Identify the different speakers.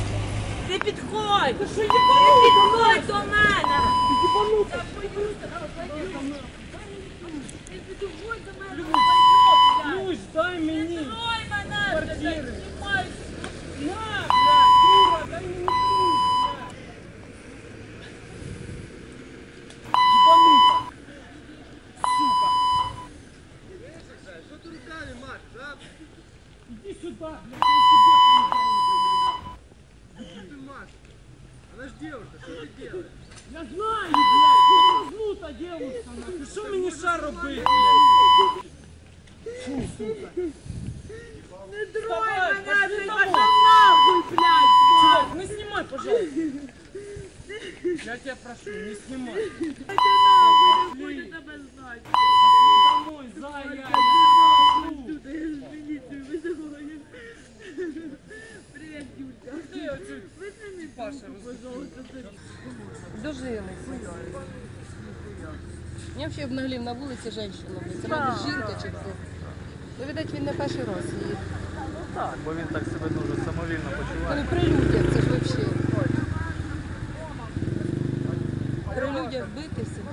Speaker 1: Не підходь! Ти що, не підходь до мене! Я боюся, не підходь до мене,
Speaker 2: Люсь, дай мені!
Speaker 1: не трой мене!
Speaker 2: Квартири.
Speaker 1: Знімай!
Speaker 2: На, блядь, дура, дай мені ключ, блядь! Ебанута! Сука!
Speaker 3: Что ты руками машешь, а?
Speaker 2: Иди сюда, блядь, я тебе помогаю!
Speaker 3: Что ты машешь? Она ж девушка, что ты делаешь?
Speaker 2: Я знаю, блядь, повернута девушка, нахуй, що мені ще робити, блядь? Фу, сука.
Speaker 1: Не трой
Speaker 2: Давай,
Speaker 1: мене,
Speaker 2: пошли
Speaker 1: ти
Speaker 2: домой.
Speaker 1: пошов нахуй, блядь!
Speaker 2: Чувак, не снимай, пожалуйста. Я тебя прошу, не снимай.
Speaker 1: Ти нахуй, не хочу тебе знати!
Speaker 2: Пошли домой, зая, я тебя прошу.
Speaker 1: Я ж міліцію визиваю. Привіт, Юлька.
Speaker 2: Ты оцю
Speaker 1: Визни
Speaker 2: Паша,
Speaker 1: трубку, пожалуйста.
Speaker 4: Дожилися. Мені взагалі обнаглів на вулиці жінка. Це, мабуть, жінка чи хто. Ну, видать, він не перший раз її.
Speaker 5: Так, бо він так себе дуже самовільно почуває.
Speaker 4: Ну, при людях, це ж взагалі. При людях битися.